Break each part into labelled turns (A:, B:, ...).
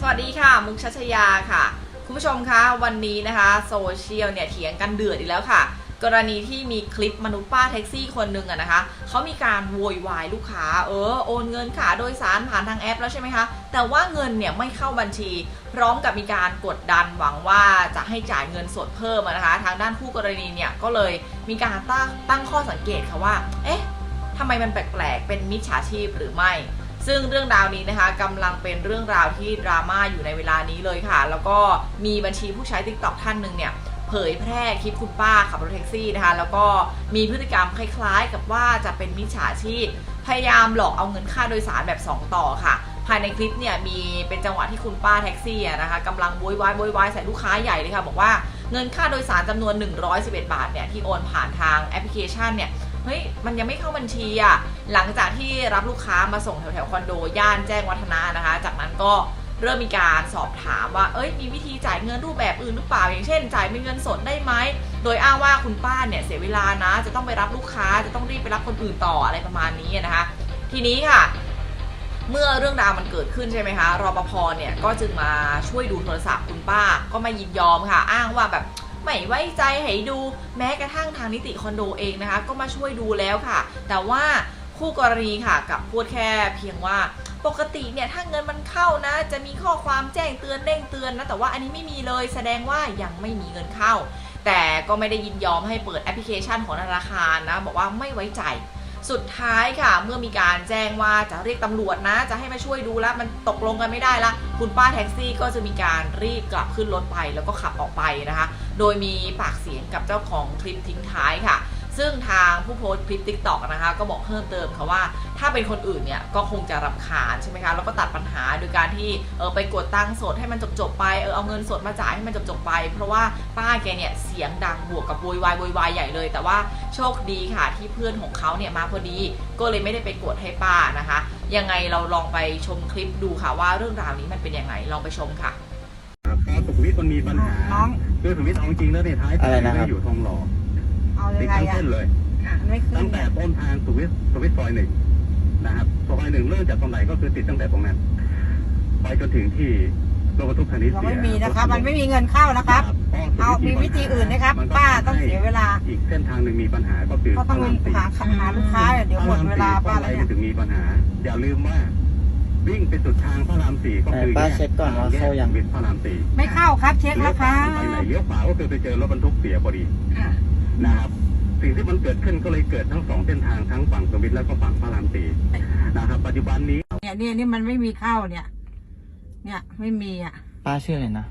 A: วัสดีค่ะมุกชัชยาค่ะคุณผู้ชมคะวันนี้นะคะโซเชียลเนี่ยเถียงกันเดือดอีกแล้วค่ะกรณีที่มีคลิปมนุษย์ป้าแท็กซี่คนหนึ่งนะคะเขามีการโวยวายลูกค้าโอนเงินค่าโดยสารผ่านทางแอปแล้วใช่ไหมคะแต่ว่าเงินเนี่ยไม่เข้าบัญชีพร้อมกับมีการกดดันหวังว่าจะให้จ่ายเงินสดเพิ่มนะคะทางด้านคู่กรณีเนี่ยก็เลยมีการตั้งข้อสังเกตค่ะว่าเอ๊ะทำไมมันแปลกๆเป็นมิจฉาชีพหรือไม่ซึ่งเรื่องราวนี้นะคะกำลังเป็นเรื่องราวที่ดราม่าอยู่ในเวลานี้เลยค่ะแล้วก็มีบัญชีผู้ใช้ TikTok ท่านหนึ่งเนี่ยเผยแพร่คลิปคุณป้าขับรถแท็กซี่นะคะแล้วก็มีพฤติกรรมคล้ายๆกับว่าจะเป็นมิจฉาชีพพยายามหลอกเอาเงินค่าโดยสารแบบ2ต่อค่ะภายในคลิปเนี่ยมีเป็นจังหวะที่คุณป้าแท็กซี่นะคะกำลังโวยวายใส่ลูกค้าใหญ่เลยค่ะบอกว่าเงินค่าโดยสารจำนวน111 บาทเนี่ยที่โอนผ่านทางแอปพลิเคชันเนี่ยเฮ้ยมันยังไม่เข้าบัญชีอ่ะหลังจากที่รับลูกค้ามาส่งแถวคอนโดย่านแจ้งวัฒนะนะคะจากนั้นก็เริ่มมีการสอบถามว่ามีวิธีจ่ายเงินรูปแบบอื่นหรือเปล่าอย่างเช่นจ่ายเป็นเงินสดได้ไหมโดยอ้างว่าคุณป้าเนี่ยเสียเวลานะจะต้องไปรับลูกค้าจะต้องรีบไปรับคนอื่นต่ออะไรประมาณนี้นะคะทีนี้ค่ะเมื่อเรื่องราวมันเกิดขึ้นใช่ไหมคะรปภเนี่ยก็จึงมาช่วยดูโทรศัพท์คุณป้าก็ไม่ยินยอมค่ะอ้างว่าแบบไม่ไว้ใจให้ดูแม้กระทั่งทางนิติคอนโดเองนะคะก็มาช่วยดูแล้วค่ะแต่ว่าคู่กรณีค่ะกับพูดแค่เพียงว่าปกติเนี่ยถ้าเงินมันเข้านะจะมีข้อความแจ้งเตือนเด้งเตือนนะแต่ว่าอันนี้ไม่มีเลยแสดงว่ายังไม่มีเงินเข้าแต่ก็ไม่ได้ยินยอมให้เปิดแอปพลิเคชันของธนาคารนะบอกว่าไม่ไว้ใจสุดท้ายค่ะเมื่อมีการแจ้งว่าจะเรียกตำรวจนะจะให้มาช่วยดูแล้วมันตกลงกันไม่ได้ละคุณป้าแท็กซี่ก็จะมีการรีบกลับขึ้นรถไปแล้วก็ขับออกไปนะคะโดยมีปากเสียงกับเจ้าของคลิปทิ้งท้ายค่ะซึ่งทางผู้โพสต์คลิป TikTok นะคะก็บอกเพิ่มเติมค่ะว่าถ้าเป็นคนอื่นเนี่ยก็คงจะรำคาญใช่ไหมคะแล้วก็ตัดปัญหาโดยการที่ไปกดตังค์สดให้มันจบไปเอาเงินสดมาจ่ายให้มันจบไปเพราะว่าป้าแกเนี่ยเสียงดังบวกกับโวยวายใหญ่เลยแต่ว่าโชคดีค่ะที่เพื่อนของเขาเนี่ยมาพอดีก็เลยไม่ได้ไปกดให้ป้านะคะยังไงเราลองไปชมคลิปดูค่ะว่าเรื่องราวนี้มันเป็นยังไงลองไปชมค่ะ
B: พอสุขุมวิทมันมีปัญหาคือสุขุมวิทเอาจริงแล้วในท้ายไม่อยู่ทองหล่อติดทั้งเส้นเลยตั้งแต่ต้นทางสุขุมวิทซอยหนึ่งนะครับซอยหนึ่งเริ่มจากตรงไหนก็คือติดตั้งแต่ตรงนั้นไปจนถึงที่รถบรรทุกคันนี้เสีย
C: ไม่มีนะครับมันไม่มีเงินเข้านะครับเอามีวิธีอื่นนะครับป้าต้องเสียเวลา
B: อีกเส้นทางหนึ่งมีปัญหาก็คือ
C: ต้องหาลูกค้าเดี๋ยวหมดเวลาป้าแล้วเนี่ย
B: ถึงมีปัญหาอย่าลืมว่าวิ่งไปสุดทางพระราม4ก็คือ
D: ป้าเช็คก่อนว่าเข้ายัง
B: วิทย์พระราม4
C: ไม่เข้าครับเช็คแล้วครับ
B: ไปไหนเลี้ยวขวาก็คือไปเจอรถบรรทุกเสียพอดีนะครับสิ่งที่มันเกิดขึ้นก็เลยเกิดทั้ง2เส้นทางทั้งฝั่งสุขุมวิทแล้วก็ฝั่งพระราม4นะครับปัจจุบันนี้
C: เนี่ยมันไม่มีเข้าเนี่ยไม่มีอ่ะ
D: ป้าชื่ออะไรนะ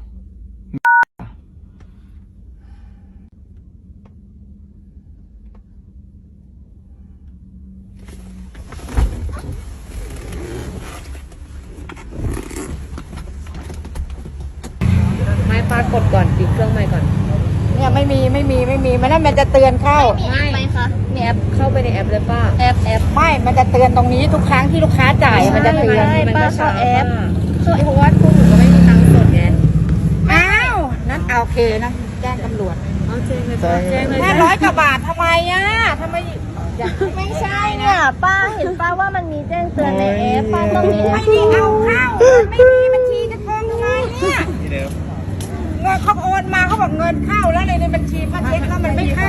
A: ไม่ป้ากดก่อนปิดเครื่องใหม่ก่อน
C: เนี่ยไม่มีมันจะเตือนเข้า
E: ไม่ค่ะ
A: ในแอปเข้าไปในแอปเลยป้า
E: แอป
C: ไม่มันจะเตือนตรงนี้ทุกครั้งที่ลูกค้าจ่ายมันจะเตือน
E: ป้าเข้าแอป
A: เพราะว่าพวกหนูก็ไม่มีตังค์สดไง
C: อ้าวนั่นโอเคนะแจ้งตำรวจ
A: เอาแจ้งเลยแจ้งเลย
C: 500 กว่าบาททำไมทำไม
E: ไม่ใช่เนี่ยป้าเห็นป้าว่ามันมีแจ้งเตือนในแอปป้าต้องมี
C: ไม่ได้เอาเข้าไม่มีบัญชีจะทองทำไมเนี่ยเงินเขาโอนมาเขาบอกเงินเข้าแล้วในบัญชีป้าเช็คแล้วมันไม่เข้า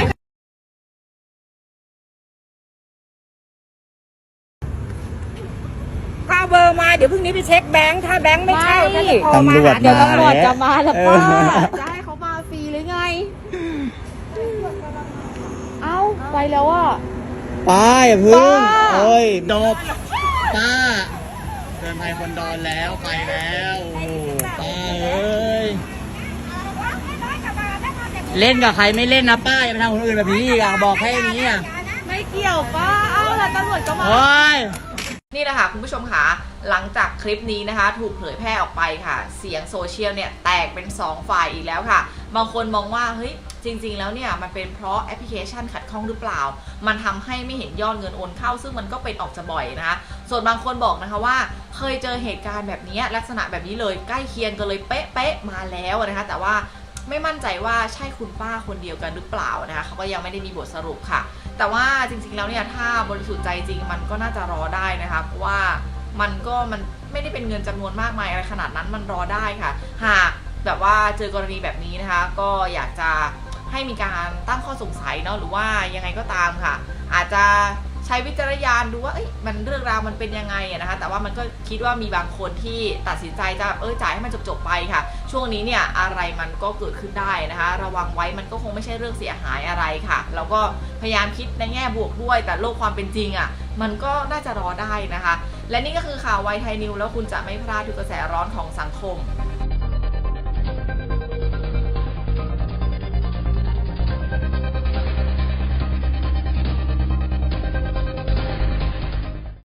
C: ก็เบอร์มาเดี๋ยวพรุ่งนี้ไปเช็คแบงค์ถ้าแบงค์ไม่เข้าจะโทรมา
D: เดี๋ยว
E: ตำรวจจะมาแล้วป้าจะให้เขามาฟรีหรือไงเอ้าไปแล้วอ่ะ
D: ป้าอย่าพึ่งจบป้าเดินไทยคนดอนแล้วไปแล้วป้าเล่นกับใครไม่เล่นนะป้าอย่าไปทำคนอื่นแบบนี้อีกบอกแค่นี้
E: ไม่เกี่ยวป้าเอ้าแล้วตำรวจก็มา
A: นี่แหละค่ะคุณผู้ชมค่ะหลังจากคลิปนี้นะคะถูกเผยแพร่ออกไปค่ะเสียงโซเชียลเนี่ยแตกเป็น2ฝ่ายอีกแล้วค่ะบางคนมองว่าเฮ้ยจริงๆแล้วเนี่ยมันเป็นเพราะแอปพลิเคชันขัดข้องหรือเปล่ามันทำให้ไม่เห็นยอดเงินโอนเข้าซึ่งมันก็เป็นออกจะบ่อยนะคะส่วนบางคนบอกนะคะว่าเคยเจอเหตุการณ์แบบนี้ลักษณะแบบนี้เลยใกล้เคียงกันเลยเป๊ะๆมาแล้วนะคะแต่ว่าไม่มั่นใจว่าใช่คุณป้าคนเดียวกันหรือเปล่านะคะเขาก็ยังไม่ได้มีบทสรุปค่ะแต่ว่าจริงๆแล้วเนี่ยถ้าบริสุทธิ์ใจจริงมันก็น่าจะรอได้นะคะเพราะว่ามันไม่ได้เป็นเงินจำนวนมากมายอะไรขนาดนั้นมันรอได้ค่ะหากแบบว่าเจอกรณีแบบนี้นะคะก็อยากจะให้มีการตั้งข้อสงสัยเนาะหรือว่ายังไงก็ตามค่ะอาจจะใช้วิจารณญาณดูว่ามันเรื่องราวมันเป็นยังไงนะคะแต่ว่ามันก็คิดว่ามีบางคนที่ตัดสินใจจะจ่ายให้มันจบไปค่ะช่วงนี้เนี่ยอะไรมันก็เกิดขึ้นได้นะคะระวังไว้มันก็คงไม่ใช่เรื่องเสียหายอะไรค่ะเราก็พยายามคิดในแง่บวกด้วยแต่โลกความเป็นจริงมันก็น่าจะรอได้นะคะและนี่ก็คือข่าวไวไทยนิวแล้วคุณจะไม่พลาดทุกกระแสร้อนของสังคม